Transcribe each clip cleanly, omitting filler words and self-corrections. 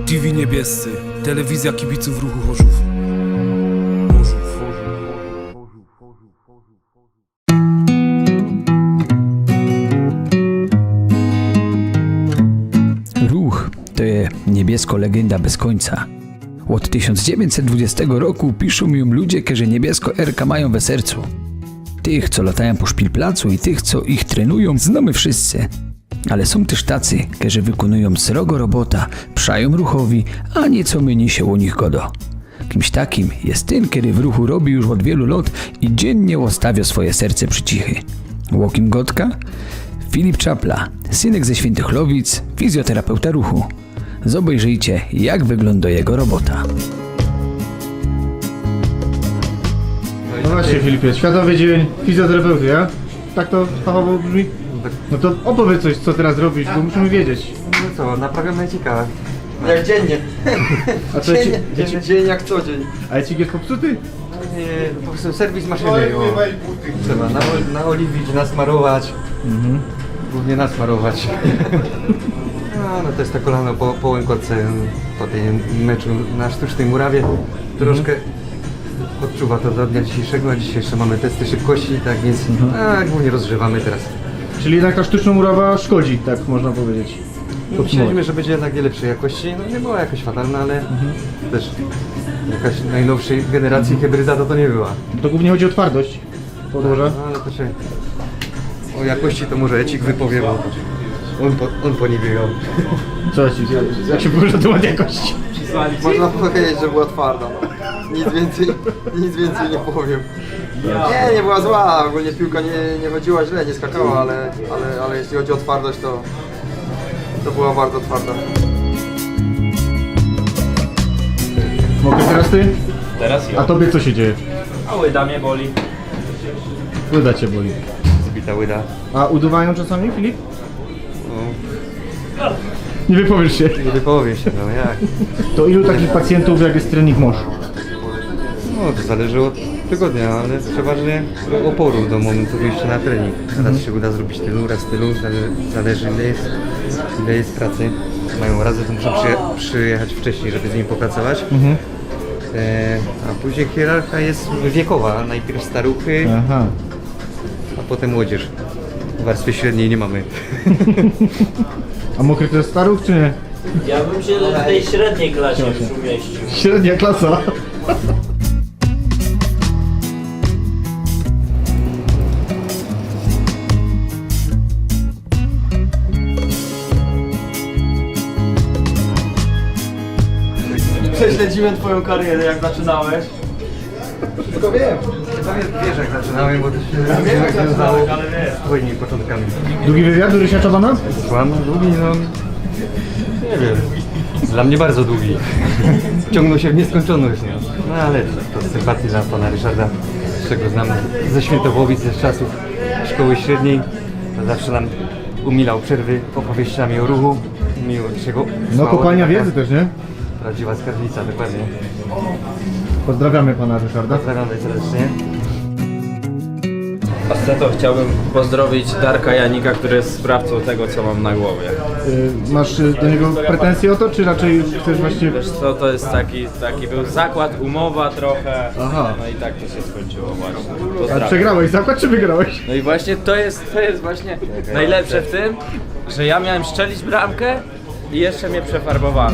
TV Niebiescy, telewizja kibiców ruchu Chorzów. Ruch to je niebiesko legenda bez końca. Od 1920 roku piszą mi ludzie, że niebiesko Erka mają we sercu. Tych, co latają po szpilplacu i tych, co ich trenują, znamy wszyscy. Ale są też tacy, którzy wykonują srogo robota, przają ruchowi, a nieco mniej się o nich godo. Kimś takim jest ten, który w ruchu robi już od wielu lat i dziennie ostawia swoje serce przy cichy. Łokim Gotka? Filip Czapla, synek ze Świętychlowic, fizjoterapeuta ruchu. Zobejrzyjcie, jak wygląda jego robota. No właśnie, Filipie, Światowy Dzień Fizjoterapeuty, ja? Tak to fachowo brzmi? No to opowiedz coś, co teraz robisz, bo musimy wiedzieć. No co, naprawiam ejcika. Jak dziennie. A co, Dzień jak co dzień. a ejcik jest popsuty? Po prostu serwis maszyny. Trzeba naoliwić, nasmarować. Głównie nasmarować. No to jest to kolano po łękotce, po tym meczu na sztucznej murawie. Troszkę odczuwa to do dnia dzisiejszego, a dzisiejsze mamy testy szybkości, tak więc głównie rozgrzewamy teraz. Czyli jednak ta sztuczna murawa szkodzi, tak można powiedzieć. Myśleliśmy, że będzie jednak lepszej jakości, no nie była jakoś fatalna, ale też jakaś najnowszej generacji hybryda to nie była. To głównie chodzi o twardość podłoża. No ale to się... O jakości to może Ecik wypowie, bo on po niej biegał. Co Ecik, jak się położy na temat jakości? Można powiedzieć, że była twarda. No. Nic więcej nie powiem. Nie była zła, ogólnie piłka nie chodziła źle, nie skakała, ale jeśli chodzi o twardość, to była bardzo twarda. Mogę teraz ty? Teraz A tobie co się dzieje? A łyda mnie boli. Łyda cię boli. Zbita łyda. A uduwają czasami, Filip? Nie wypowiesz się. Nie wypowie się, no jak? To ilu takich pacjentów, jak jest trening masz? No to zależy od tygodnia, ale przeważnie oporu do momentu wyjścia na trening. Raz się uda zrobić raz tylu, zależy ile jest pracy. Mają razy, to muszą przyjechać wcześniej, żeby z nim popracować. A później hierarchia jest wiekowa, najpierw staruchy, Aha. a potem młodzież. Warstwy średniej nie mamy. A mokry to jest staruch, czy nie? Ja bym się w tej średniej klasie już umieścił. Średnia klasa. Prześledziłem twoją karierę, jak zaczynałeś. Tylko wiem. Wiesz jak zaczynałem, bo to się związało z twoimi początkami. Długi wywiad do Rysia Czabana? Słucham, długi, no nie wiem, dla mnie bardzo długi. Ciągnął się w nieskończoność, no ale to z sympatii dla pana Ryszarda, z czego znam ze Świętowowic, ze czasów szkoły średniej, to zawsze nam umilał przerwy opowieściami o ruchu. Miło się go No słuchało, kopalnia taka wiedzy też, nie? Prawdziwa skarbnica, dokładnie. Pozdrawiamy pana Ryszarda. Pozdrawiamy serdecznie. To chciałbym pozdrowić Darka Janika, który jest sprawcą tego, co mam na głowie. Masz do niego pretensje o to, czy raczej chcesz właśnie... Wiesz co, to jest taki był zakład, umowa trochę, Aha. no i tak to się skończyło właśnie. A Pozdrawiam. przegrałeś zakład, czy wygrałeś? No i właśnie to jest właśnie najlepsze w tym, że ja miałem strzelić bramkę i jeszcze mnie przefarbowano.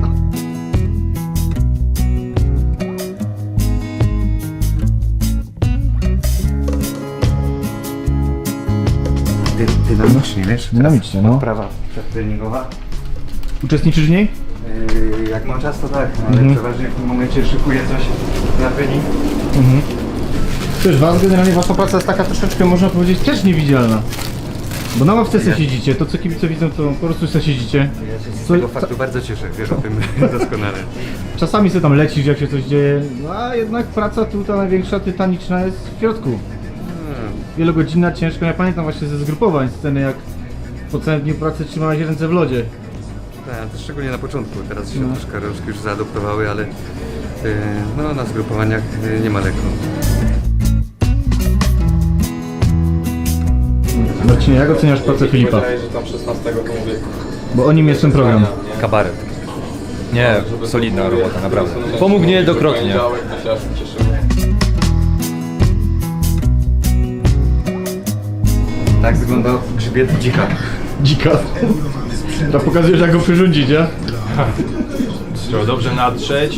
Dynamicznie, wiesz? Dynamicznie, no. Prawa treningowa. Uczestniczysz w niej? Jak mam czas, to tak, ale przeważnie w tym momencie szykuję coś na trening. Też generalnie wasza praca jest taka troszeczkę, można powiedzieć, też niewidzialna. Bo na ławce se siedzicie, to co kibice widzą, to po prostu se siedzicie. Ja się z tego faktu bardzo cieszę, wiesz o tym doskonale. Czasami se tam lecisz, jak się coś dzieje, no a jednak praca tu ta największa, tytaniczna jest w środku. Wielogodzinna, ciężka. Ja pamiętam właśnie ze zgrupowań sceny, jak po całym dniu pracy trzymałeś ręce w lodzie. Tak, to szczególnie na początku, teraz się troszkę rączki już zaadoptowały, ale no, na zgrupowaniach nie ma lekko. Marcinie, jak oceniasz pracę Filipa? Wydaje, że tam 16 to mówię. Bo o nim jest ten program. Kabaret. Nie, solidna robota, naprawdę. Pomógł niejednokrotnie. Tak wygląda grzbiet dzika. Dzika. To pokazujesz, jak go przyrządzić, nie? Trzeba dobrze natrzeć,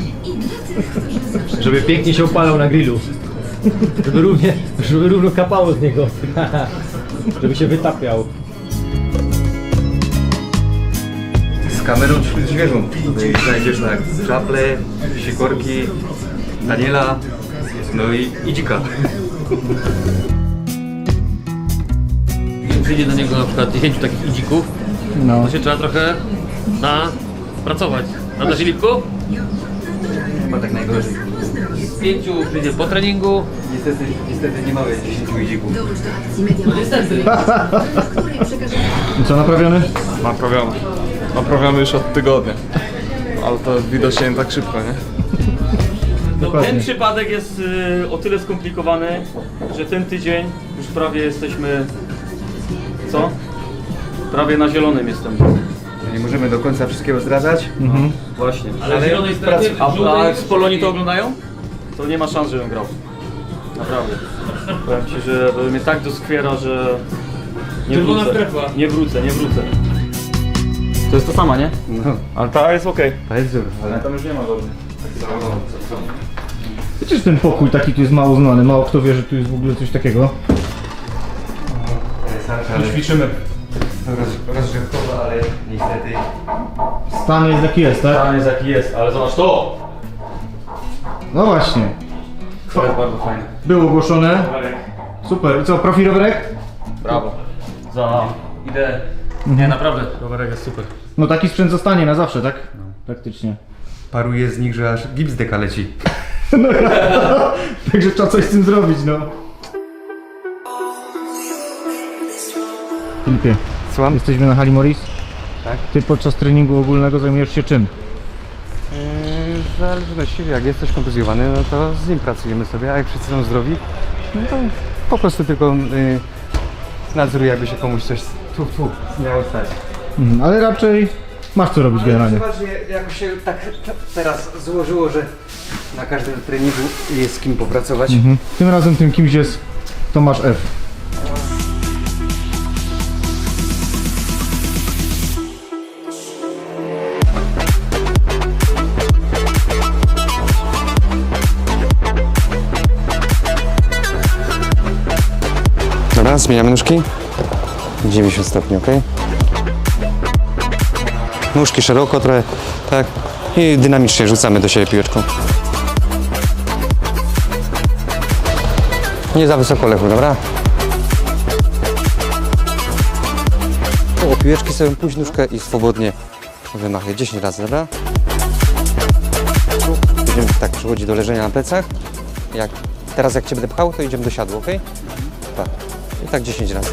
żeby pięknie się opalał na grillu. Żeby równo kapało z niego. Żeby się wytapiał. Z kamerą wśród zwierząt. Tutaj znajdziesz tak czaple, sikorki, Daniela, no i dzika. Przyjdzie do niego na przykład 10 takich idzików, No. to się trzeba trochę pracować. Prawda, Filipku? Chyba tak najgorzej. 5 przyjdzie po treningu. Niestety nie mamy 10 idzików. No niestety. I co, naprawiony? Naprawiamy już od tygodnia. Ale to widocznie nie tak szybko, nie? Dokładnie. Ten przypadek jest o tyle skomplikowany, że ten tydzień już prawie jesteśmy... Co? Prawie na zielonym jestem. Nie możemy do końca wszystkiego zdradzać. Właśnie. Ale w zielonej strefie, w A żółtej... z Polonii to oglądają? To nie ma szans, żebym grał. Naprawdę. Powiem ci, że mnie tak doskwiera, że... Nie Czerwona wrócę. strefa. Nie wrócę. To jest to sama, nie? No, Ale ta jest okej. to jest wzór, ale Tam już nie ma dobrze. Wiecie, że ten pokój taki tu jest mało znany, mało kto wie, że tu jest w ogóle coś takiego. Ćwiczymy. rozgrzewkowa, ale niestety Stan jest jaki jest, tak? Stan jest jaki jest, ale zobacz to! No właśnie. To jest bardzo fajne. Było ogłoszone. Super. I co, profi rowerek? Brawo. Za ideę. Nie, naprawdę, rowerek jest super. No taki sprzęt zostanie na zawsze, tak? Praktycznie. paruje z nich, że aż gips deka leci. Także trzeba coś z tym zrobić, no. Filipie, Słucham? jesteśmy na hali Morris. Tak. Ty podczas treningu ogólnego zajmujesz się czym? W zależności, jak jest coś kontuzjowany, no to z nim pracujemy sobie, a jak wszyscy są zdrowi, no to po prostu tylko nadzoruję, jakby się komuś coś miało stać. Ale raczej masz co robić generalnie. Chyba, że jakoś się tak teraz złożyło, że na każdym treningu jest z kim popracować. Tym razem tym kimś jest Tomasz F. Dobra, zmieniamy nóżki. 90 stopni, ok? Nóżki szeroko trochę, tak? I dynamicznie rzucamy do siebie piłeczką. Nie za wysoko, Lechu, dobra? O piłeczki sobie puść nóżkę i swobodnie wymachaj 10 razy, dobra? Będziemy tak przechodzić do leżenia na plecach. Teraz jak Cię będę pchał, to idziemy do siadła, ok? Tak. I tak 10 razy.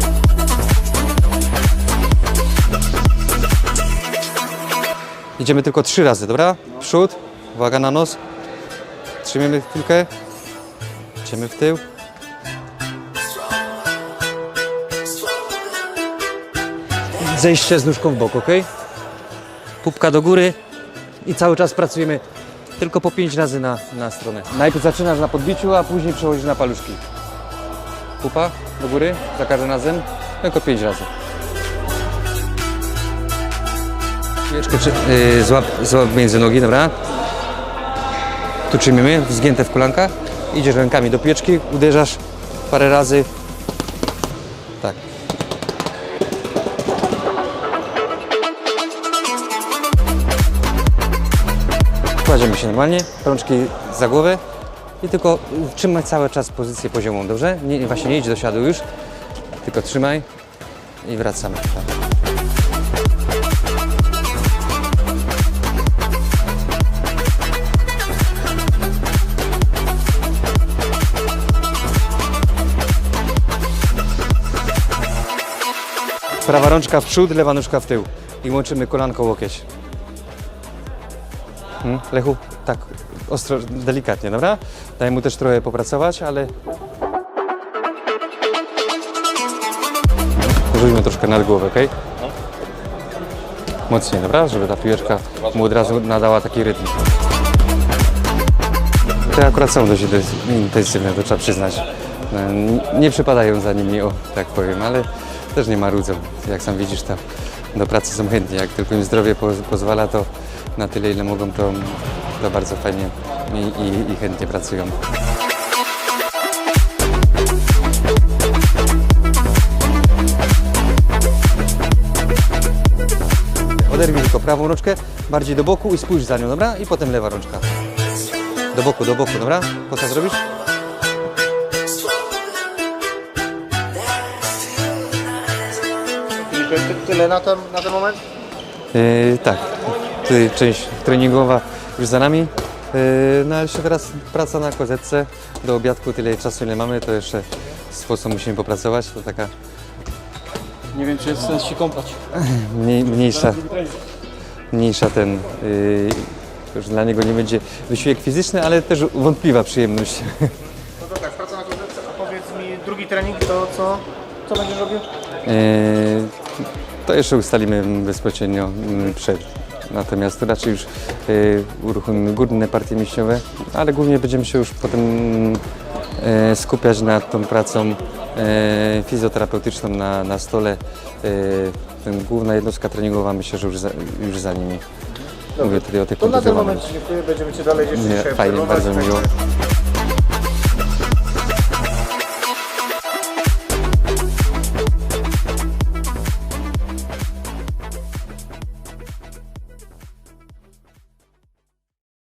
Idziemy tylko 3 razy, dobra? Przód, uwaga na nos. Trzymamy chwilkę. Idziemy w tył. Zejście z nóżką w bok, ok? Pupka do góry i cały czas pracujemy tylko po 5 razy na stronę. Najpierw zaczynasz na podbiciu, a później przechodzisz na paluszki. Pupa do góry, za każdym razem, tylko 5 razy. Piłeczkę złap między nogi, dobra? Tu trzymamy, zgięte w kolankach. Idziesz rękami do piłeczki, uderzasz parę razy. Tak. Kładziemy się normalnie, rączki za głowę i tylko trzymaj cały czas pozycję poziomą, dobrze? Właśnie nie idź do siadu już, tylko trzymaj i wracamy. Tak. Prawa rączka w przód, lewa nóżka w tył i łączymy kolanko łokieć. Lechu, tak ostro, delikatnie, dobra? Daj mu też trochę popracować, ale... Rzućmy troszkę nad głowę, ok? mocniej, dobra? Żeby ta piłeczka mu od razu nadała taki rytm. Te akurat są dość intensywne, to trzeba przyznać. Nie przypadają za nimi, o tak powiem, ale też nie marudzą. Jak sam widzisz, to do pracy są chętni. Jak tylko im zdrowie pozwala, to na tyle, ile mogą, to bardzo fajnie i chętnie pracują. Oderwij tylko prawą rączkę, bardziej do boku i spójrz za nią, dobra? I potem lewa rączka. Do boku, dobra? Po co zrobisz? I tyle na ten moment? Tak, część treningowa już za nami. No ale jeszcze teraz praca na kozetce. Do obiadku tyle czasu, ile mamy, to jeszcze sposób musimy popracować. To taka Nie wiem, czy jest sens się kąpać. mniejsza już dla niego nie będzie wysiłek fizyczny, ale też wątpliwa przyjemność. No to tak, praca na kozetce, a powiedz mi, drugi trening to co będziesz robił? To jeszcze ustalimy bezpośrednio przed. Natomiast raczej już uruchomimy górne partie mięśniowe, ale głównie będziemy się już potem skupiać nad tą pracą fizjoterapeutyczną na stole. Główna jednostka treningowa, myślę, że już za nimi. Mówię tutaj o tych To na ten kontuzjowanych. moment dziękuję, będziemy Cię dalej jeszcze dzisiaj Fajnie, bardzo obserwować. miło.